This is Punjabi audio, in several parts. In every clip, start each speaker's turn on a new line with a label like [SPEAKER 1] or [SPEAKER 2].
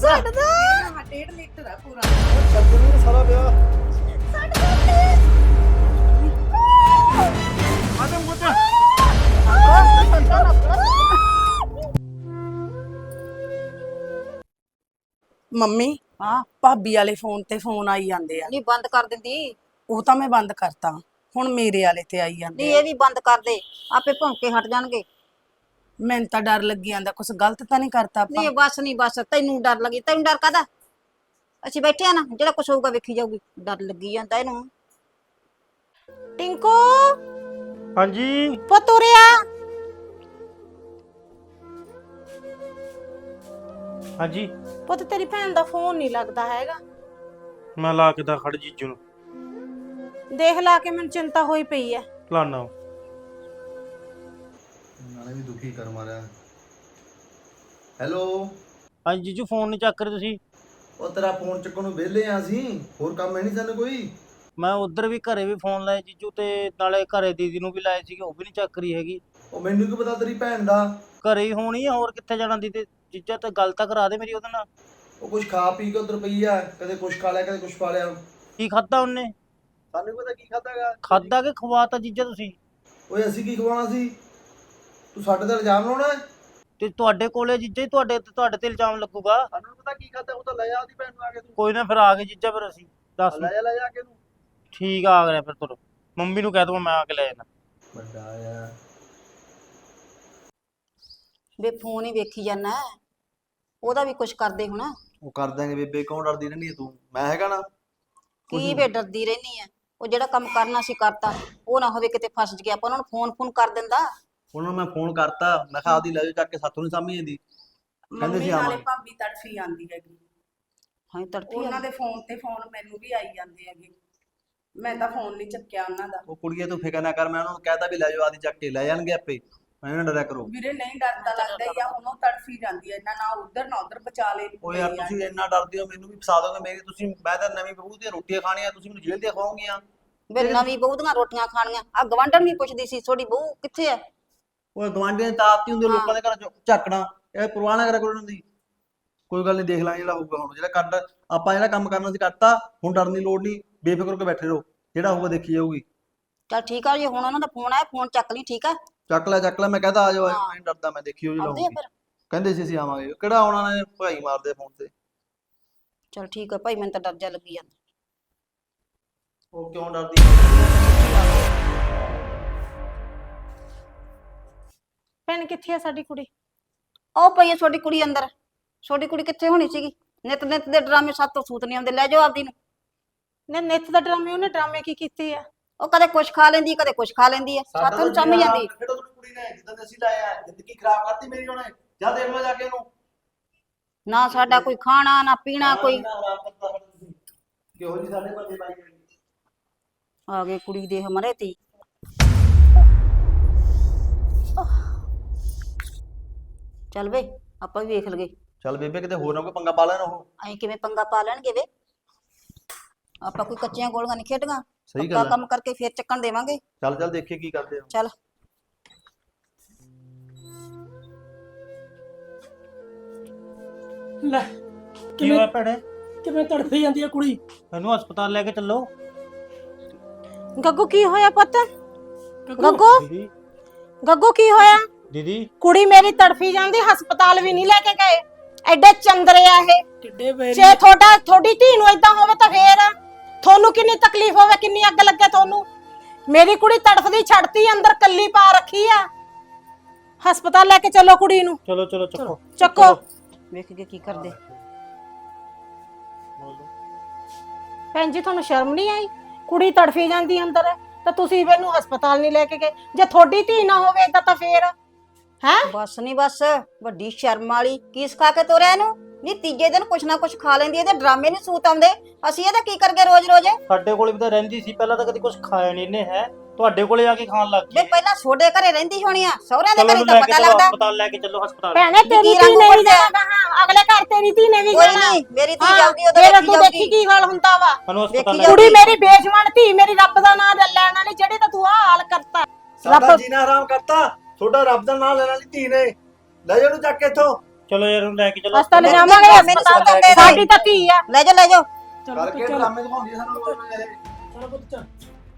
[SPEAKER 1] ਛੱਡ ਦੋ।
[SPEAKER 2] ਹਾਂ 1.5 ਲੀਟਰ ਆ ਪੂਰਾ।
[SPEAKER 3] ਛੱਡ ਨੂੰ ਸਾਰਾ ਵਿਆਹ
[SPEAKER 1] ਛੱਡ ਦੋ ਪਲੀਜ਼।
[SPEAKER 3] ਆਦਮ ਪੁੱਤ
[SPEAKER 2] ਮੰਮੀ
[SPEAKER 1] ਹਾਂ
[SPEAKER 2] ਭਾਬੀ ਵਾਲੇ ਫੋਨ ਤੇ ਫੋਨ ਆਈ ਜਾਂਦੇ ਆ।
[SPEAKER 1] ਨਹੀਂ ਬੰਦ ਕਰ ਦਿੰਦੀ।
[SPEAKER 2] ਉਹ ਤਾਂ ਮੈਂ ਬੰਦ ਕਰਤਾ, ਹੁਣ ਮੇਰੇ ਵਾਲੇ ਤੇ ਆਈ
[SPEAKER 1] ਨਹੀਂ
[SPEAKER 2] ਜਾਂਦੇ ਆ।
[SPEAKER 1] ਇਹ ਵੀ ਬੰਦ ਕਰ ਦੇ, ਆਪੇ ਭੌਂਕੇ ਹਟ ਜਾਣਗੇ।
[SPEAKER 2] ਮੈਨੂੰ ਤਾਂ ਡਰ ਲੱਗੀ ਜਾਂਦਾ, ਕੁਝ ਗਲਤ ਤਾਂ ਨਹੀਂ ਕਰਤਾ ਆਪਾਂ।
[SPEAKER 1] ਨਹੀਂ ਬਸ ਨਹੀਂ ਬਸ, ਤੈਨੂੰ ਡਰ ਲੱਗੀ, ਤੈਨੂੰ ਡਰ ਕਾਦਾ? ਅਸੀਂ ਬੈਠੇ ਆ ਨਾ, ਜਿਹੜਾ ਕੁਛ ਹੋਊਗਾ ਵੇਖੀ ਜਾਊਗੀ। ਡਰ ਲੱਗੀ ਜਾਂਦਾ ਇਹਨੂੰ। ਟਿੰਕੂ
[SPEAKER 3] ਹਾਂਜੀ
[SPEAKER 1] ਪੁੱਤ ਉਰਿਆ।
[SPEAKER 3] ਹਾਂਜੀ
[SPEAKER 1] ਪੁੱਤ ਤੇਰੀ ਭੈਣ ਦਾ ਫੋਨ ਨਹੀਂ ਲੱਗਦਾ ਹੈਗਾ।
[SPEAKER 3] ਮੈਂ ਲਾ ਕੇ ਦਾ ਖੜ ਜੀਜੂ ਨੂੰ
[SPEAKER 1] ਦੇਖ ਲਾ ਕੇ ਮੈਨੂੰ ਚਿੰਤਾ ਹੋਈ ਪਈ ਐ।
[SPEAKER 3] ਲਾਣਾ
[SPEAKER 4] ਨਾਲੇ ਵੀ ਦੁਖੀ ਕਰ ਮਾਰਿਆ। ਹੈਲੋ
[SPEAKER 3] ਹਾਂਜੀ ਜੀਜੂ ਫੋਨ ਨਹੀਂ ਚੱਕ ਰਹੇ ਤੁਸੀਂ।
[SPEAKER 4] ਉਹ ਤੇਰਾ ਫੋਨ ਚੱਕਣ ਨੂੰ ਵਿਹਲੇ ਆ ਅਸੀਂ, ਹੋਰ ਕੰਮ ਹੈ ਨਹੀਂ ਸਾਨੂੰ ਕੋਈ।
[SPEAKER 3] ਮੈਂ ਉਧਰ ਵੀ ਘਰੇ ਵੀ ਫੋਨ ਲਾਇਆ ਜੀਜੂ, ਤੇ ਨਾਲੇ ਘਰੇ ਦੀਦੀ ਨੂੰ ਵੀ ਲਾਏ ਸੀਗੇ, ਉਹ ਵੀ ਨਹੀਂ ਚੱਕ ਰਹੀ ਹੈਗੀ।
[SPEAKER 4] ਉਹ ਮੈਨੂੰ ਕੀ ਪਤਾ ਤੇਰੀ ਭੈਣ ਦਾ।
[SPEAKER 3] ਘਰੇ ਹੀ ਹੋਣੀ ਆ, ਹੋਰ ਕਿੱਥੇ ਜਾਣਾ ਦੀਦੀ। ਜੀਜਾ ਤਾਂ ਗੱਲ ਤਾਂ ਕਰਾ ਦੇ ਮੇਰੀ ਉਹਦੇ ਨਾਲ।
[SPEAKER 4] ਉਹ ਕੁਝ ਖਾ ਪੀ ਕੇ ਉਧਰ ਪਈ ਆ, ਕਦੇ ਕੁਝ ਖਾ ਲਿਆ ਕਦੇ ਕੁਝ ਖਾ ਲਿਆ।
[SPEAKER 3] ਕੀ ਖਾਦਾ ਉਹਨੇ?
[SPEAKER 4] ਸਾਨੂੰ ਪਤਾ ਕੀ ਖਾਦਾਗਾ।
[SPEAKER 3] ਖਾਦਾ ਕਿ ਖਵਾਤਾ ਜੀਜਾ ਤੁਸੀਂ?
[SPEAKER 4] ਓਏ ਅਸੀਂ ਕੀ ਖਵਾਉਣਾ ਸੀ? ਤੂੰ ਸਾਡੇ ਤੇ ਇਲਜ਼ਾਮ ਲਾਉਣਾ ਹੈ?
[SPEAKER 3] ਤੇ ਤੁਹਾਡੇ ਕੋਲੇ ਜੀਜਾ ਹੀ ਤੁਹਾਡੇ ਤੇ ਇਲਜ਼ਾਮ ਲੱਗੂਗਾ।
[SPEAKER 4] ਸਾਨੂੰ ਪਤਾ ਕੀ ਖਾਦਾ, ਉਹ ਤਾਂ ਲੈ ਆ ਉਹਦੀ ਭੈਣ ਨੂੰ ਆ ਕੇ ਤੂੰ।
[SPEAKER 3] ਕੋਈ ਨਾ ਫਿਰ ਆ ਗਏ ਜੀਜਾ, ਫਿਰ ਅਸੀਂ ਦੱਸ।
[SPEAKER 4] ਲੈ ਜਾ ਕੇ ਨੂੰ।
[SPEAKER 3] ਠੀਕ ਆ ਗਿਆ ਫਿਰ ਤੁਰ। ਮੰਮੀ ਨੂੰ ਕਹਿ ਦੂੰਗਾ ਮੈਂ ਆ ਕੇ ਲੈ ਜਾਣਾ।
[SPEAKER 4] ਵੱਡਾ ਆ
[SPEAKER 1] ਵੇ ਫੋਨ ਹੀ ਵੇਖੀ ਜਾਣਾ, ਉਹਦਾ ਵੀ ਕੁਛ ਕਰਦੇ ਹੁਣ।
[SPEAKER 4] ਉਹ ਕਰ ਦਾਂਗੇ ਬੇਬੇ, ਕੌਣ ਡਰਦੀ ਰਹਿੰਦੀ ਹੈ ਤੂੰ? ਮੈਂ ਹੈਗਾ ਨਾ।
[SPEAKER 1] ਕੀ ਵੇ ਡਰਦੀ ਰਹਿਨੀ ਆ? ਉਹ ਜਿਹੜਾ ਕੰਮ ਕਰਨਾ ਸੀ ਕਰਤਾ, ਉਹ ਨਾ ਹੋਵੇ ਕਿਤੇ ਫਸ ਗਿਆ। ਆਪਾਂ ਉਹਨਾਂ ਨੂੰ ਫੋਨ ਕਰ ਦਿੰਦਾ।
[SPEAKER 4] ਉਹਨਾਂ ਨੂੰ ਮੈਂ ਫੋਨ ਕਰਤਾ, ਮੈਂ ਕਿਹਾ ਆਪਦੀ ਲੈ ਜਾ ਚੱਕ ਕੇ, ਸਾਥੋਂ ਨਹੀਂ ਸਾਂਭੀ ਜਾਂਦੀ। ਕਹਿੰਦੇ
[SPEAKER 2] ਮੰਮੀ
[SPEAKER 4] ਸੀ
[SPEAKER 2] ਨਾਲੇ
[SPEAKER 4] ਆਵਾਂਗੇ।
[SPEAKER 2] ਭਾਬੀ ਤੜਫੀ ਆਂਦੀ ਹੈਗੀ।
[SPEAKER 1] ਹਾਂ ਤੜਫੀ
[SPEAKER 2] ਉਹਨਾਂ ਦੇ ਫੋਨ ਤੇ ਫੋਨ ਮੈਨੂੰ ਵੀ ਆਈ ਜਾਂਦੇ ਹੈਗੇ। ਮੈਂ ਤਾਂ ਫੋਨ ਨਹੀਂ ਚੱਕਿਆ ਉਹਨਾਂ ਦਾ।
[SPEAKER 4] ਉਹ ਕੁੜੀਏ ਤੂੰ ਫਿਕਰ ਨਾ ਕਰ, ਮੈਂ ਉਹਨਾਂ ਨੂੰ ਕਹਿਤਾ ਵੀ ਲੈ ਜਾਓ ਆਦੀ ਚੱਕ ਕੇ, ਲੈ ਜਾਣਗੇ ਆਪੇ। ਮੈਂ ਇਹਨਾਂ ਡਰਿਆ ਕਰੋ।
[SPEAKER 2] ਵੀਰੇ ਨਹੀਂ ਡਰਦਾ ਲੱਗਦਾ ਹੀ ਆ, ਹੁਣ ਉਹ ਤੜਫੀ ਜਾਂਦੀ ਹੈ ਨਾ ਉਧਰ ਨਾ ਉਧਰ ਬਚਾ ਲੈ।
[SPEAKER 4] ਓ ਯਾਰ ਤੁਸੀਂ ਇੰਨਾ ਡਰਦੇ ਹੋ, ਮੈਨੂੰ ਵੀ ਫਸਾ ਦੋਗੇ ਮੇਰੀ। ਤੁਸੀਂ ਮੈਂ ਤਾਂ ਨਵੀਂ ਬਹੂ ਦੀਆਂ ਰੋਟੀਆਂ ਖਾਣੀਆਂ, ਤੁਸੀਂ ਮੈਨੂੰ ਜੇਲ੍ਹ ਦੀਆਂ ਖਵਾਓਗੀਆਂ।
[SPEAKER 1] ਵੇ ਨਵੀਂ ਬਹੂ ਦੀਆਂ ਰੋਟੀਆਂ ਖਾਣੀਆਂ? ਆ ਗਵਾਂਢਣ ਵੀ ਪੁੱਛਦੀ ਸੀ ਤੁਹਾਡੀ ਬਹੂ ਕਿੱਥੇ ਐ?
[SPEAKER 4] ਓਏ ਗਵਾਂਢੀਆਂ ਦੀ ਤਾਕਤੀ ਹੁੰਦੀ, ਲੋਕਾਂ ਦੇ ਘਰਾਂ ਚ ਝਾਕਣਾ। ਇਹ ਪਰਵਾਹ ਨਾ ਕਰਿਆ ਕਰੋ ਇਹਨਾਂ ਦੀ। ਕੋਈ ਗੱਲ ਨਹੀਂ, ਦੇਖ ਲਾਂਗੇ ਜਿਹੜਾ ਹੋਊਗਾ। ਹੁਣ ਜਿਹੜਾ ਆਪਾਂ ਜਿਹੜਾ ਕੰਮ ਕਰਨਾ ਸੀ ਕਰਤਾ, ਹੁਣ ਡਰਨ ਦੀ ਲੋੜ ਨਹੀਂ, ਬੇਫਿਕਰ ਹੋ ਕੇ ਬੈਠੇ ਰਹੋ। ਜਿਹੜਾ ਹੋਊਗਾ ਦੇਖੀ ਜਾਊਗੀ।
[SPEAKER 1] ਚੱਲ ਠੀਕ ਆ, ਜੇ ਹੁਣ ਉਹਨਾਂ ਦਾ ਫੋਨ ਆਇਆ ਫੋਨ ਚੱਕ ਲਈ। ਠੀਕ ਆ,
[SPEAKER 4] ਚੱਕ ਲੈ, ਮੈਂ ਕਹਤਾ ਆ ਜਾਓ। ਮੈਂ ਨਹੀਂ ਡਰਦਾ, ਮੈਂ ਦੇਖੀ ਹੋਈ
[SPEAKER 1] ਆਉਂਦੇ ਆ
[SPEAKER 4] ਲਾਉਂਗੀ।
[SPEAKER 1] ਫਿਰ।
[SPEAKER 4] ਕਹਿੰਦੇ ਸੀ ਅਸੀਂ ਆਵਾਂਗੇ, ਕਿਹੜਾ ਆਉਣਾ ਨੇ ਭਾਈ ਮਾਰਦੇ ਫੋਨ ਤੇ।
[SPEAKER 1] ਚਲ ਠੀਕ ਆ ਭਾਈ, ਮੈਨੂੰ ਤਾਂ ਡਰ ਜਾ ਲੱਗੀ ਜਾਂਦਾ।
[SPEAKER 4] ਉਹ ਕਿਉਂ ਡਰਦੀ?
[SPEAKER 1] ਭੈਣ ਕਿੱਥੇ ਆ ਸਾਡੀ ਕੁੜੀ? ਉਹ ਪਈ ਆ ਤੁਹਾਡੀ ਕੁੜੀ ਅੰਦਰ। ਤੁਹਾਡੀ ਕੁੜੀ ਕਿੱਥੇ ਹੋਣੀ ਸੀਗੀ? ਨਿਤ ਨਿਤ ਦੇ ਡਰਾਮੇ ਸਾਤੋਂ ਸੂਤ ਨਹੀਂ ਆਉਂਦੇ। ਲੈ ਜਾਓ ਆਪਦੀ ਨੂੰ।
[SPEAKER 5] ਨਿੱਤ ਦਾ ਡਰਾਮੇ, ਉਹਨੇ ਡਰਾਮੇ ਕੀ ਕੀਤੇ ਆ?
[SPEAKER 1] ਉਹ ਕਦੇ ਕੁਛ ਖਾ ਲੈਂਦੀ, ਕਦੇ ਕੁਛ ਖਾ ਲੈਂਦੀ ਐ। ਸਾਥੋਂ ਚੰਮ ਜਾਂਦੀ।
[SPEAKER 4] ਕਿਹੜਾ ਤੁਹਾਨੂੰ ਕੁੜੀ ਨੇ ਜਿੱਦਾਂ ਅਸੀਂ ਲਾਇਆ, ਜ਼ਿੰਦਗੀ ਖਰਾਬ ਕਰਤੀ ਮੇਰੀ ਉਹਨੇ। ਜਾ ਦੇਖ ਲਓ ਜਾ ਕੇ ਉਹਨੂੰ।
[SPEAKER 1] ਨਾ ਸਾਡਾ ਕੋਈ ਖਾਣਾ ਨਾ ਪੀਣਾ ਕੋਈ।
[SPEAKER 4] ਕਿਹੋ ਜੀ ਸਾਡੇ ਬੰਦੇ ਬਾਈ।
[SPEAKER 1] ਆ ਗਏ ਕੁੜੀ ਦੇ ਮਰੇ ਤੀ। ਚੱਲ ਵੇ ਆਪਾਂ ਵੀ ਵੇਖ ਲਗੇ।
[SPEAKER 4] ਚੱਲ ਬੇਬੇ, ਕਿਤੇ ਹੋਰ ਨਾ ਕੋਈ ਪੰਗਾ ਪਾ ਲੈਣ ਉਹ।
[SPEAKER 1] ਅਸੀਂ ਕਿਵੇਂ ਪੰਗਾ ਪਾ ਲੈਣਗੇ ਵੇ? ਆਪਾਂ ਕੋਈ ਕੱਚੀਆਂ ਗੋਲੀਆਂ ਨਹੀਂ ਖੇਡਾਂਗਾ।
[SPEAKER 4] ਸਹੀ
[SPEAKER 1] ਪੱਕਾ
[SPEAKER 4] ਗੱਲ ਆ।
[SPEAKER 1] ਕੰਮ ਕਰਕੇ ਫੇਰ ਚੱਕਣ ਦੇਵਾਂਗੇ।
[SPEAKER 4] ਚੱਲ ਦੇਖੀਏ ਕੀ ਕਰਦੇ ਆ।
[SPEAKER 1] ਚੱਲ
[SPEAKER 5] ਲੈ
[SPEAKER 3] ਕੀ ਹੋਇਆ ਭੈਣੇ?
[SPEAKER 5] ਕਿਵੇਂ ਤੜਫੀ ਜਾਂਦੀ ਆ ਕੁੜੀ?
[SPEAKER 3] ਇਹਨੂੰ ਹਸਪਤਾਲ ਲੈ ਕੇ ਚੱਲੋ।
[SPEAKER 5] ਗੱਗੂ ਕੀ ਹੋਇਆ ਪੁੱਤ? ਗੱਗੂ
[SPEAKER 3] ਦੀਦੀ
[SPEAKER 5] ਗੱਗੂ ਕੀ ਹੋਇਆ?
[SPEAKER 3] ਦੀਦੀ
[SPEAKER 5] ਕੁੜੀ ਮੇਰੀ ਤੜਫੀ ਜਾਂਦੀ, ਹਸਪਤਾਲ ਵੀ ਨਹੀਂ ਲੈ ਕੇ ਗਏ। ਐਡੇ ਚੰਦਰੇ ਆ ਇਹ।
[SPEAKER 2] ਕਿੱਡੇ ਵੇਰੀ
[SPEAKER 5] ਜੇ ਤੁਹਾਡੀ ਧੀ ਨੂੰ ਏਦਾਂ ਹੋਵੇ ਤਾਂ ਫੇਰ ਤੁਹਾਨੂੰ ਕਿੰਨੀ ਤਕਲੀਫ ਹੋਵੇ, ਕਿੰਨੀ ਅੱਗ ਲੱਗੇ ਤੁਹਾਨੂੰ। ਮੇਰੀ ਕੁੜੀ ਤੜਫਦੀ ਛੱਡਤੀ, ਅੰਦਰ ਕੱਲੀ ਪਾ ਰੱਖੀ ਆ। ਹਸਪਤਾਲ ਲੈ ਕੇ ਚੱਲੋ ਕੁੜੀ ਨੂੰ।
[SPEAKER 3] ਚਲੋ ਚੱਕੋ।
[SPEAKER 5] ਚੱਕੋ।
[SPEAKER 1] ਵੇਖ ਕੇ ਕੀ ਕਰਦੇ।
[SPEAKER 5] ਭੈਣ ਜੀ ਤੁਹਾਨੂੰ ਸ਼ਰਮ ਨਹੀਂ ਆਈ? ਕੁੜੀ ਤੜਫੀ ਜਾਂਦੀ ਅੰਦਰ ਤਾਂ ਤੁਸੀਂ ਇਹਨੂੰ ਹਸਪਤਾਲ ਨਹੀਂ ਲੈ ਕੇ ਗਏ। ਜੇ ਤੁਹਾਡੀ ਧੀ ਨਾ ਹੋਵੇ ਏਦਾਂ ਤਾਂ ਫੇਰ ਹੈ।
[SPEAKER 1] ਬਸ ਨਹੀਂ ਬਸ, ਵੱਡੀ ਸ਼ਰਮ ਵਾਲੀ। ਕੀ ਸਿਖਾ ਕੇ ਤੋਰਿਆ ਇਹਨੂੰ? ਨਹੀਂ ਤੀਜੇ ਦਿਨ ਕੁਛ ਨਾ ਕੁਛ ਖਾ ਲੈਂਦੀ। ਇਹਦੇ ਡਰਾਮੇ ਨਹੀਂ ਸੂਤ ਆਉਂਦੇ। ਅਸੀਂ ਇਹਦਾ ਕੀ ਕਰਗੇ ਰੋਜ਼ ਰੋਜ਼?
[SPEAKER 3] ਸਾਡੇ ਕੋਲੇ ਵੀ ਤਾਂ ਰਹਿੰਦੀ ਸੀ ਪਹਿਲਾਂ, ਤਾਂ ਕਦੀ ਕੁਝ ਖਾਇਆ ਨਹੀਂ ਇਹਨੇ। ਹੈ ਤੁਹਾਡੇ ਕੋਲੇ ਆ ਕੇ ਖਾਣ ਲੱਗ
[SPEAKER 1] ਵੇ
[SPEAKER 3] ਗਈ।
[SPEAKER 1] ਪਹਿਲਾਂ ਛੋਡੇ ਘਰੇ ਰਹਿੰਦੀ ਹੋਣੀ ਆ, ਸਹੁਰਿਆਂ ਦੇ
[SPEAKER 3] ਚਲੋ
[SPEAKER 1] ਘਰੇ
[SPEAKER 3] ਇਹਨੂੰ
[SPEAKER 1] ਤਾਂ
[SPEAKER 3] ਲੈ ਕੇ
[SPEAKER 1] ਪਤਾ
[SPEAKER 3] ਚਲੋ
[SPEAKER 1] ਲੱਗਦਾ।
[SPEAKER 3] ਹਸਪਤਾਲ, ਲੈ ਕੇ ਚੱਲੋ ਹਸਪਤਾਲ।
[SPEAKER 5] ਭੈਣੇ ਤੇਰੀ
[SPEAKER 1] ਕੀ
[SPEAKER 5] ਧੀ
[SPEAKER 1] ਰੰਗ
[SPEAKER 5] ਨੇ ਵੀ
[SPEAKER 1] ਉੱਪਰ
[SPEAKER 5] ਜਾਣਾ, ਹਾਂ ਅਗਲੇ ਘਰ ਤੇਰੀ ਧੀ ਨੇ ਵੀ
[SPEAKER 1] ਕੋਈ
[SPEAKER 5] ਜਾਣਾ।
[SPEAKER 1] ਨਹੀਂ, ਮੇਰੀ ਧੀ
[SPEAKER 5] ਹਾਂ,
[SPEAKER 1] ਜਾਊਗੀ ਉਦੋਂ
[SPEAKER 5] ਫੇਰ
[SPEAKER 1] ਦੇਖੀ
[SPEAKER 5] ਤੂੰ ਦੇਖੀ
[SPEAKER 1] ਜਾਊਗੀ।
[SPEAKER 5] ਕੀ ਹਾਲ ਹੁੰਦਾ ਵਾ।
[SPEAKER 3] ਸਾਨੂੰ ਹਸਪਤਾਲ
[SPEAKER 1] ਦੇਖੀ
[SPEAKER 3] ਲੈ ਕੇ
[SPEAKER 5] ਕੁੜੀ ਮੇਰੀ ਬੇਜਵਾਨ ਧੀ, ਮੇਰੀ ਰੱਬ ਦਾ ਨਾਮ ਲੈਣ ਵਾਲੀ, ਜਿਹੜੀ ਤਾਂ ਤੂੰ ਆ ਹਾਲ ਕਰਤਾ।
[SPEAKER 4] ਸਾਡਾ ਜੀਣਾ ਹਰਾਮ ਕਰਤਾ। ਤੁਹਾਡਾ ਰੱਬ ਦਾ ਨਾਮ ਲੈਣ ਵਾਲੀ ਧੀ ਨੇ। ਲੈ ਜਾ ਉਹਨੂੰ ਚੱਕ ਕੇ ਇੱਥੋਂ।
[SPEAKER 3] ਚਲੋ ਯਾਰ ਉਹਨੂੰ ਲੈ ਕੇ ਚਲੋ
[SPEAKER 5] ਹਸਪਤਾਲ
[SPEAKER 1] ਲੈ
[SPEAKER 5] ਜਾਵਾਂਗੇ
[SPEAKER 1] ਜਾ,
[SPEAKER 5] ਹਸਪਤਾਲ
[SPEAKER 1] ਮੈਨੂੰ ਦੇ ਦੇ।
[SPEAKER 5] ਸਾਡੀ ਤਾਂ ਧੀ ਆ।
[SPEAKER 1] ਲੈ ਜਾ ਲੈ ਜਾ।
[SPEAKER 4] ਕਰਕੇ ਡਰਾਮੇ ਦਿਖਾਉਂਦੀ ਆ ਸਾਨੂੰ ਲੋਕ ਇਹ।
[SPEAKER 6] ਚਲੋ ਪੁੱਤ ਚੱਲ।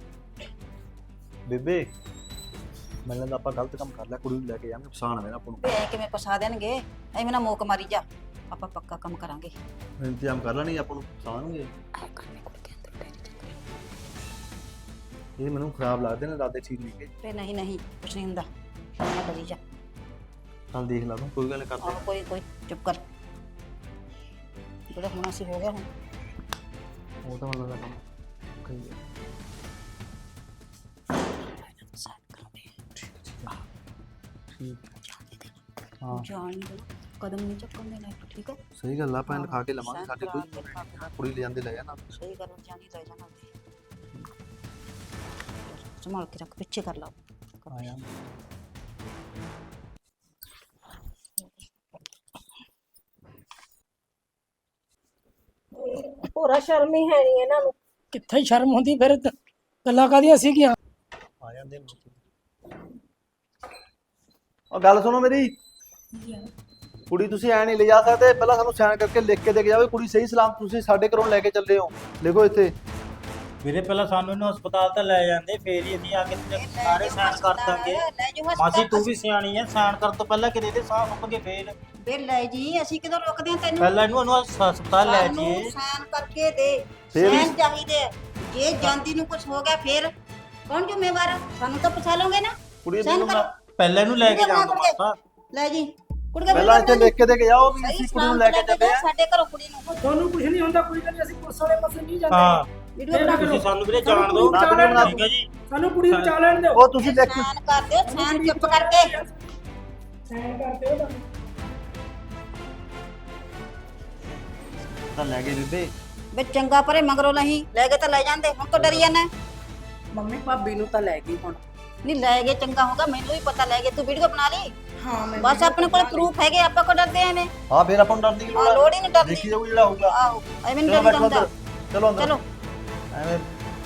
[SPEAKER 4] ਬੇਬੇ ਮੈਨੂੰ ਲੱਗਦਾ ਆਪਾਂ ਗਲਤ ਕੰਮ ਕਰ ਲਿਆ, ਕੁੜੀ ਨੂੰ ਲੈ ਕੇ ਜਾਵਾਂਗੇ ਫਸਾਣ ਆਵੇ ਨਾ ਆਪਾਂ ਨੂੰ।
[SPEAKER 1] ਵੇ ਕਿਵੇਂ ਫਸਾ ਦੇਣਗੇ, ਐਵੇਂ ਨਾ ਮੋਕ ਮਾਰੀ ਜਾ। ਆਪਾਂ ਪੱਕਾ ਕੰਮ ਕਰਾਂਗੇ।
[SPEAKER 4] ਇੰਤਜ਼ਾਮ ਕਰ ਲੈਣੀ ਆਪਾਂ ਨੂੰ ਫਸਾਣਗੇ। ਇਹ ਮੈਨੂੰ ਖਰਾਬ ਲੱਗਦੇ ਨੇ, ਦਾਦੇ ਠੀਕ ਨਹੀਂ ਗੇ।
[SPEAKER 1] ਵੇ ਨਹੀਂ ਨਹੀਂ ਕੁਛ ਨਹੀਂ ਹੁੰਦਾ, ਨਾ ਡਰੀ ਜਾ।
[SPEAKER 4] ਚੱਲ ਦੇਖ ਲਾ ਤੂੰ, ਕੋਈ ਗੱਲ ਨੀ ਕਰਦੇ।
[SPEAKER 1] ਆਹ ਕੋਈ ਕੋਈ ਚੁੱਪ ਕਰ, ਜਿਹੜਾ ਹੋਣਾ ਸੀ ਹੋ ਗਿਆ ਹੁਣ।
[SPEAKER 4] ਉਹ ਤਾਂ ਮੈਨੂੰ ਲੱਗਦਾ ਕੰਮ ਕਰੀ ਜਾ। ਹਾਂ
[SPEAKER 1] ਜਾਣ ਨਹੀਂ ਦੇਣਾ, ਕਦਮ ਨਹੀਂ ਚੱਕਣ ਦੇਣਾ, ਠੀਕ ਹੈ?
[SPEAKER 4] ਸਹੀ ਗੱਲ ਆ, ਆਪਾਂ ਲਿਖਾ ਕੇ ਲਵਾਂਗੇ,
[SPEAKER 1] ਸਾਈਨ
[SPEAKER 4] ਸਾਡੇ
[SPEAKER 1] ਕਰਾ
[SPEAKER 4] ਕੋਈ
[SPEAKER 1] ਕੇ ਲਿਖਾ ਕੇ।
[SPEAKER 4] ਕੁੜੀ ਲੈ ਜਾਂਦੇ ਲੈ ਜਾਣਾ।
[SPEAKER 1] ਸਹੀ ਗੱਲ ਜਾਣੀ ਲੈ ਜਾਣਾ। ਸੰਭਾਲ ਕੇ ਰੱਖ, ਪਿੱਛੇ ਕਰ ਲਾ।
[SPEAKER 4] ਆਇਆ
[SPEAKER 5] ਪੂਰਾ ਸ਼ਰਮ ਹੀ ਹੈ ਨਹੀਂ ਇਹਨਾਂ ਨੂੰ।
[SPEAKER 6] ਕਿੱਥੇ ਸ਼ਰਮ ਹੁੰਦੀ ਫਿਰ ਗੱਲਾਂ ਕਾਦੀਆਂ ਸੀਗੀਆਂ।
[SPEAKER 4] ਆ ਜਾਂਦੇ ਉਹ ਗੱਲ ਸੁਣੋ ਮੇਰੀ, ਕੁੜੀ ਤੁਸੀਂ ਐ ਨਹੀਂ ਲੈ ਜਾ ਸਕਦੇ, ਪਹਿਲਾਂ ਸਾਨੂੰ ਸਾਈਨ ਕਰਕੇ ਲਿਖ ਕੇ ਦੇ ਕੇ ਜਾਓ ਕੁੜੀ ਸਹੀ ਸਲਾਮ ਤੁਸੀਂ ਸਾਡੇ ਘਰੋਂ ਲੈ ਕੇ ਚੱਲੇ ਹੋ। ਲਿਖੋ ਇੱਥੇ।
[SPEAKER 3] ਵੀਰੇ ਪਹਿਲਾਂ ਸਾਨੂੰ ਇਹਨੂੰ ਹਸਪਤਾਲ ਤਾਂ ਲੈ ਜਾਂਦੇ, ਫੇਰ ਹੀ ਅਸੀਂ ਆ ਕੇ ਸਾਰੇ ਸਾਈਨ ਕਰ ਦਾਂਗੇ।
[SPEAKER 1] ਲੈ ਜਾ
[SPEAKER 3] ਮਾਸੀ ਤੂੰ ਵੀ ਸਿਆਣੀ ਐ, ਸਾਈਨ ਕਰਨ ਤੋਂ ਪਹਿਲਾਂ ਕਿਤੇ ਦੇ ਸਾਹ ਸੁੱਕ ਗਏ ਫੇਰ।
[SPEAKER 1] ਵੇ ਲੈ ਜੀ, ਅਸੀਂ ਕਿਦੋਂ ਰੋਕਦੇ ਆ ਤੈਨੂੰ?
[SPEAKER 3] ਪਹਿਲਾਂ ਇਹਨੂੰ ਹਸਪਤਾਲ ਲੈ
[SPEAKER 1] ਸਾਨੂੰ
[SPEAKER 3] ਜਾਈਏ।
[SPEAKER 1] ਸਾਈਨ ਕਰਕੇ ਦੇ,
[SPEAKER 4] ਫੇਰ ਵੀ-
[SPEAKER 1] ਸਾਈਨ ਚਾਹੀਦੇ ਆ। ਜੇ ਜਾਂਦੀ ਨੂੰ ਕੁਝ ਹੋ ਗਿਆ ਫੇਰ ਕੌਣ ਜ਼ਿੰਮੇਵਾਰ ਆ? ਸਾਨੂੰ ਤਾਂ ਪਛਾ ਲਓਗੇ ਨਾ।
[SPEAKER 4] ਕੁੜੀ
[SPEAKER 1] ਸਾਈਨ
[SPEAKER 4] ਨੂੰ
[SPEAKER 1] ਕਰੋ।
[SPEAKER 3] ਪਹਿਲਾਂ ਇਹਨੂੰ ਲੈ ਕੇ
[SPEAKER 1] ਵੀਡੀਓ ਬਣਾ
[SPEAKER 3] ਜਾਣਾ
[SPEAKER 1] ਕੇ
[SPEAKER 3] ਮਾਸਾ।
[SPEAKER 1] ਲੈ ਜੀ ਕੁੜੀ
[SPEAKER 4] ਪਹਿਲਾਂ ਇੱਥੇ ਲਿਖ ਕੇ ਦੇ ਕੇ ਜਾਓ ਵੀ
[SPEAKER 1] ਸਹੀ
[SPEAKER 4] ਅਸੀਂ ਕੁੜੀ ਨੂੰ
[SPEAKER 1] ਸਲਾਮਤ
[SPEAKER 4] ਲੈ ਕੇ ਚੱਲੇ ਆ।
[SPEAKER 1] ਸਾਡੇ ਘਰੋਂ ਕੁੜੀ ਨੂੰ
[SPEAKER 6] ਤੁਹਾਨੂੰ ਕੁਝ ਨਹੀਂ ਹੁੰਦਾ, ਕੋਈ ਗੱਲ ਨੀ, ਅਸੀਂ ਪੁਲਿਸ ਵਾਲੇ ਪਾਸੇ ਨਹੀਂ ਜਾਂਦੇ।
[SPEAKER 3] ਹਾਂ
[SPEAKER 1] ਵੀਡੀਓ ਬਣਾ ਕੇ
[SPEAKER 3] ਤੁਸੀਂ ਸਾਨੂੰ ਵੀਰੇ ਜਾਣ ਦਿਓ,
[SPEAKER 4] ਨਾ ਵੀਡੀਓ ਬਣਾ
[SPEAKER 3] ਠੀਕ ਹੈ ਜੀ।
[SPEAKER 6] ਸਾਨੂੰ ਕੁੜੀ ਨੂੰ ਚਾ ਲੈਣ ਦਿਓ।
[SPEAKER 4] ਉਹ ਤੁਸੀਂ ਲਿਖ ਕੇ
[SPEAKER 1] ਸਾਈਨ ਕਰ ਦਿਓ, ਸਾਈਨ ਚੁੱਪ ਕਰਕੇ।
[SPEAKER 6] ਸਾਈਨ ਕਰ ਦਿਓ ਤੁਹਾਨੂੰ।
[SPEAKER 4] ਤਾਂ ਲੈ ਕੇ ਦਿੱਤੇ।
[SPEAKER 1] ਵੇ ਚੰਗਾ ਪਰੇ ਮਗਰੋਂ ਨਹੀਂ ਲੈ ਗਏ ਤਾਂ ਲੈ ਜਾਂਦੇ, ਹੁਣ ਤਾਂ ਡਰੀ ਜਾਂਦਾ।
[SPEAKER 2] ਮੰਮੀ ਭਾਬੀ ਨੂੰ ਤਾਂ ਲੈ ਗਈ ਹੁਣ।
[SPEAKER 1] ਨਹੀਂ ਲੈ ਗਏ ਚੰਗਾ ਹੋਗਾ, ਮੈਨੂੰ ਵੀ ਪਤਾ ਲੈ ਗਏ। ਤੂੰ ਵੀਡੀਓ ਬਣਾ ਲਈ,
[SPEAKER 2] ਹਾਂ ਮੈਂ
[SPEAKER 1] ਬਸ ਆਪਣੇ ਕੋਲ ਪ੍ਰੂਫ ਹੈਗੇ, ਆਪਾਂ ਕੋ ਡਰਦੇ ਐਵੇਂ?
[SPEAKER 4] ਹਾਂ ਫੇਰ ਆਪਾਂ ਨੂੰ ਡਰਨ ਦੀ
[SPEAKER 1] ਆ ਲੋੜ ਹੀ ਨਹੀਂ ਡਰਦੀ।
[SPEAKER 4] ਦੇਖੀ ਜਾਊ ਜਿਹੜਾ ਹੋਊਗਾ।
[SPEAKER 1] ਆਹੋ ਐਵੇਂ ਨਹੀਂ
[SPEAKER 4] ਚਲੋ
[SPEAKER 1] ਡਰਦਾ
[SPEAKER 4] ਬੈਠੋ
[SPEAKER 1] ਹੁੰਦਾ।
[SPEAKER 4] ਅੰਦਰ, ਚਲੋ ਅੰਦਰ।
[SPEAKER 1] ਚਲੋ
[SPEAKER 4] ਐਵੇਂ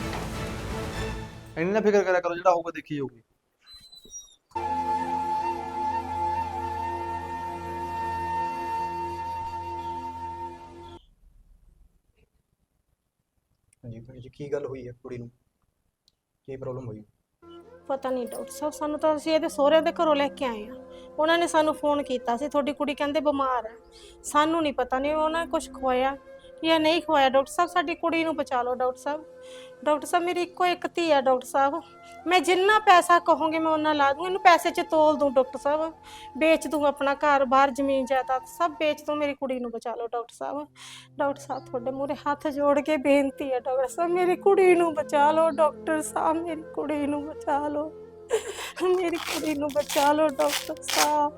[SPEAKER 4] ਇੰਨੀ ਨਾ ਫਿਕਰ ਕਰਿਆ ਕਰੋ, ਜਿਹੜਾ ਹੋਊਗਾ ਦੇਖੀ ਜਾਊਗੀ।
[SPEAKER 7] ਹਾਂਜੀ ਭੈਣ ਜੀ, ਕੀ ਗੱਲ ਹੋਈ ਹੈ ਕੁੜੀ ਨੂੰ? ਕੀ ਪ੍ਰੋਬਲਮ ਹੋਈ?
[SPEAKER 5] ਪਤਾ ਨਹੀਂ ਡਾਕਟਰ ਸਾਹਿਬ, ਸਾਨੂੰ ਤਾਂ ਅਸੀਂ ਇਹਦੇ ਸਹੁਰਿਆਂ ਦੇ ਘਰੋਂ ਲੈ ਕੇ ਆਏ ਆ। ਉਹਨਾਂ ਨੇ ਸਾਨੂੰ ਫੋਨ ਕੀਤਾ ਸੀ, ਤੁਹਾਡੀ ਕੁੜੀ ਕਹਿੰਦੇ ਬਿਮਾਰ ਹੈ। ਸਾਨੂੰ ਨਹੀਂ ਪਤਾ, ਨਹੀਂ ਉਹਨਾਂ ਨੇ ਕੁਝ ਖਵਾਇਆ ਜਾਂ ਨਹੀਂ ਖਵਾਇਆ। ਡਾਕਟਰ ਸਾਹਿਬ ਸਾਡੀ ਕੁੜੀ ਨੂੰ ਬਚਾ ਲਓ ਡਾਕਟਰ ਸਾਹਿਬ। ਡਾਕਟਰ ਸਾਹਿਬ ਮੇਰੀ ਇੱਕੋ ਇੱਕ ਧੀ ਆ ਡਾਕਟਰ ਸਾਹਿਬ, ਮੈਂ ਜਿੰਨਾ ਪੈਸਾ ਕਹੋਗੇ ਮੈਂ ਉਹਨਾਂ ਲਾ ਦੂੰ। ਇਹਨੂੰ ਪੈਸੇ 'ਚ ਤੋਲ ਦੂੰ ਡਾਕਟਰ ਸਾਹਿਬ, ਵੇਚ ਦੂੰ ਆਪਣਾ ਘਰ ਬਾਹਰ ਜ਼ਮੀਨ ਜਾਇਦਾਦ ਸਭ ਵੇਚ ਦੂੰ। ਮੇਰੀ ਕੁੜੀ ਨੂੰ ਬਚਾ ਲਓ ਡਾਕਟਰ ਸਾਹਿਬ। ਡਾਕਟਰ ਸਾਹਿਬ ਤੁਹਾਡੇ ਮੂਹਰੇ ਹੱਥ ਜੋੜ ਕੇ ਬੇਨਤੀ ਹੈ ਡਾਕਟਰ ਸਾਹਿਬ, ਮੇਰੀ ਕੁੜੀ ਨੂੰ ਬਚਾ ਲਓ ਡਾਕਟਰ ਸਾਹਿਬ, ਮੇਰੀ ਕੁੜੀ ਨੂੰ ਬਚਾ ਲਓ, ਮੇਰੀ ਕੁੜੀ ਨੂੰ ਬਚਾ ਲਓ ਡਾਕਟਰ ਸਾਹਿਬ।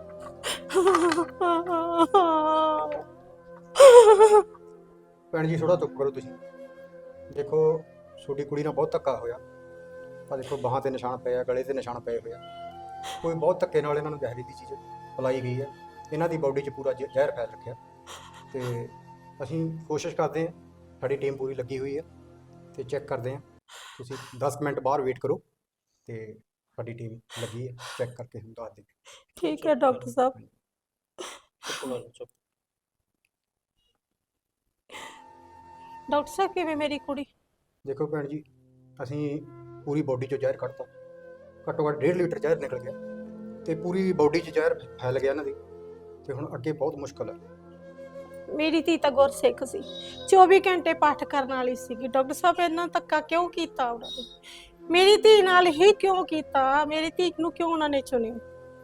[SPEAKER 7] ਭੈਣ ਜੀ ਥੋੜਾ ਚੁੱਪ ਕਰੋ ਤੁਸੀਂ। ਦੇਖੋ ਤੁਹਾਡੀ ਕੁੜੀ ਨਾਲ ਬਹੁਤ ਧੱਕਾ ਹੋਇਆ। ਆ ਦੇਖੋ ਬਾਹਾਂ ਤੇ ਨਿਸ਼ਾਨ ਪਏ ਆ, ਗਲੇ ਤੇ ਨਿਸ਼ਾਨ ਪਏ ਹੋਏ ਆ। ਕੋਈ ਬਹੁਤ ਧੱਕੇ ਨਾਲ ਇਹਨਾਂ ਨੂੰ ਜ਼ਹਿਰੀ ਦੀ ਚੀਜ਼ ਪਿਲਾਈ ਗਈ ਹੈ। ਇਹਨਾਂ ਦੀ ਬਾਡੀ 'ਚ ਪੂਰਾ ਜ਼ਹਿਰ ਫੈਲ ਰੱਖਿਆ ਤੇ ਅਸੀਂ ਕੋਸ਼ਿਸ਼ ਕਰਦੇ ਹਾਂ, ਸਾਡੀ ਟੀਮ ਪੂਰੀ ਲੱਗੀ ਹੋਈ ਹੈ ਤੇ ਚੈੱਕ ਕਰਦੇ ਹਾਂ। ਤੁਸੀਂ 10 ਮਿੰਟ ਬਾਹਰ ਵੇਟ ਕਰੋ ਤੇ ਸਾਡੀ ਟੀਮ ਲੱਗੀ ਹੈ, ਚੈੱਕ ਕਰਕੇ ਤੁਹਾਨੂੰ ਦੱਸ ਦੇਗੀ।
[SPEAKER 5] ਠੀਕ ਹੈ ਡਾਕਟਰ ਸਾਹਿਬ। ਡਾਕਟਰ ਸਾਹਿਬ ਕਿਵੇਂ ਮੇਰੀ ਕੁੜੀ?
[SPEAKER 7] ਦੇਖੋ ਭੈਣ ਜੀ, ਅਸੀਂ ਪੂਰੀ ਬਾਡੀ 'ਚੋਂ ਜ਼ਹਿਰ ਕੱਢਤਾ। ਘੱਟੋ ਘੱਟ 1.5 ਲੀਟਰ ਜ਼ਹਿਰ ਨਿਕਲ ਗਿਆ ਤੇ ਪੂਰੀ ਬਾਡੀ 'ਚ ਜ਼ਹਿਰ ਫੈਲ ਗਿਆ ਇਹਨਾਂ ਦੀ ਤੇ ਹੁਣ ਅੱਗੇ ਬਹੁਤ ਮੁਸ਼ਕਲ ਹੈ।
[SPEAKER 5] ਮੇਰੀ ਧੀ ਤਾਂ ਗੁਰਸਿੱਖ ਸੀ, 24 ਘੰਟੇ ਪਾਠ ਕਰਨ ਵਾਲੀ ਸੀਗੀ। ਡਾਕਟਰ ਸਾਹਿਬ ਇੰਨਾ ਧੱਕਾ ਕਿਉਂ ਕੀਤਾ ਉਹਨਾਂ ਨੇ? ਮੇਰੀ ਧੀ ਨਾਲ ਹੀ ਕਿਉਂ ਕੀਤਾ? ਮੇਰੀ ਧੀ ਨੂੰ ਕਿਉਂ ਉਹਨਾਂ ਨੇ ਚੁਣਿਆ?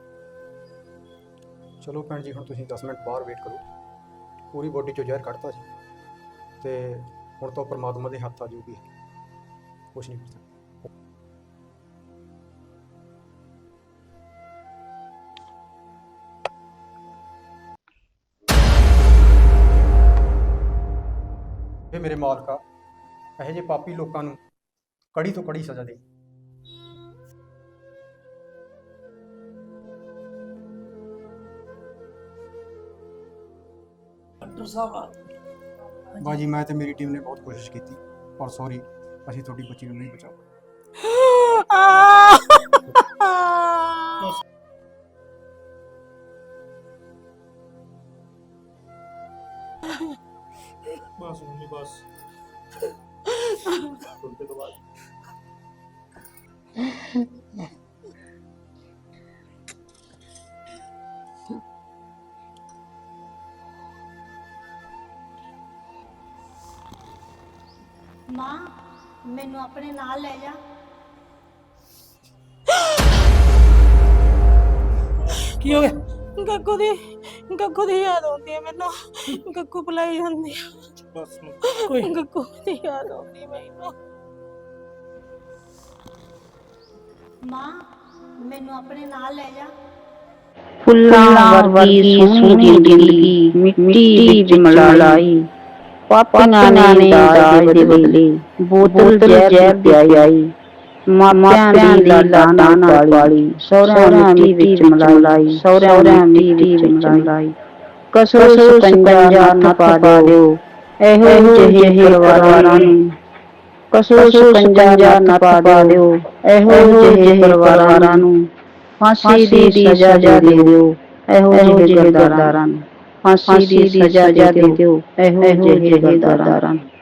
[SPEAKER 7] ਚਲੋ ਭੈਣ ਜੀ, ਹੁਣ ਤੁਸੀਂ 10 ਮਿੰਟ ਬਾਹਰ ਵੇਟ ਕਰੋ। ਪੂਰੀ ਬਾਡੀ 'ਚੋਂ ਜ਼ਹਿਰ ਕੱਢਤਾ ਸੀ ਤੇ ਹੁਣ ਤਾਂ ਪਰਮਾਤਮਾ ਦੇ ਹੱਥ ਆ ਜਾਊਗੀ, ਕੁਛ ਨਹੀਂ ਕਰ ਸਕਦਾ। ਇਹ ਮੇਰੇ ਮਾਲਕਾ, ਇਹੋ ਜਿਹੇ ਪਾਪੀ ਲੋਕਾਂ ਨੂੰ ਕੜੀ ਤੋਂ ਕੜੀ ਸਜ਼ਾ ਦੇ।
[SPEAKER 6] ਡਾਕਟਰ ਸਾਹਿਬ
[SPEAKER 7] ਬਾਜੀ, ਮੈਂ ਤੇ ਮੇਰੀ ਟੀਮ ਨੇ ਬਹੁਤ ਕੋਸ਼ਿਸ਼ ਕੀਤੀ, ਪਰ ਸੌਰੀ, ਅਸੀਂ ਤੁਹਾਡੀ ਬੱਚੀ ਨੂੰ ਨਹੀਂ ਬਚਾ ਪਾਏ।
[SPEAKER 3] ਬਸ ਮੰਮੀ ਬਸ ਥੋੜੇ ਤੋਂ ਬਾਅਦ
[SPEAKER 1] ਮਾਂ ਮੈਨੂੰ ਆਪਣੇ ਨਾਲ ਲੈ ਜਾ।
[SPEAKER 6] ਕੀ ਹੋ ਗਿਆ?
[SPEAKER 5] ਗੱਗੂ ਦੀ ਯਾਦ ਆਉਂਦੀ ਹੈ ਮੈਨੂੰ। ਗੱਗੂ ਬੁਲਾਈ ਜਾਂਦੀ ਹੈ।
[SPEAKER 3] ਬਸ
[SPEAKER 6] ਕੋਈ
[SPEAKER 5] ਗੱਗੂ ਦੀ ਯਾਦ ਆਉਂਦੀ ਮੈਨੂੰ।
[SPEAKER 1] ਮਾਂ ਮੈਨੂੰ ਆਪਣੇ ਨਾਲ ਲੈ ਜਾ।
[SPEAKER 8] ਫੁੱਲਾਂ ਵਰਗੀ ਸੋਹਣੀ ਜ਼ਿੰਦਗੀ ਮਿੱਟੀ ਵਿੱਚ ਮਿਲਾਈ, ਪਾਪੀਆਂ ਨੇ ਦਾਜ ਦੇ ਬਦਲੇ ਬੋਤਲ ਜ਼ਹਿਰ ਪਿਆਈ, ਮਾਪਿਆਂ ਦੀ ਲਾਡਾਂ ਨਾਲ ਪਾਲੀ, ਸਹੁਰਿਆਂ ਮਿੱਟੀ ਵਿੱਚ ਮਿਲਾਈ, ਸਹੁਰਿਆਂ ਮਿੱਟੀ ਵਿੱਚ ਮਿਲਾਈ। ਕਸੋ ਸਕੰਜਾ ਨਾ ਪਾ ਦਿਓ ਇਹੋ ਜਿਹੇ ਪਰਿਵਾਰਾਂ ਨੂੰ, ਕਸੋ ਸਕੰਜਾ ਨਾ ਪਾ ਦਿਓ ਇਹੋ ਜਿਹੇ ਪਰਿਵਾਰਾਂ ਨੂੰ। ਫਾਂਸੀ ਦੀ ਸਜ਼ਾ ਦੇ ਦਿਓ ਇਹੋ ਜਿਹੇ ਗਰਦਾਰਾਂ ਨੂੰ, ਫਾਂਸੀ ਦੀ ਸਜ਼ਾ ਦੇ ਦਿਓ ਇਹੋ ਜਿਹੇ ਗਰਦਾਰਾਂ ਨੂੰ।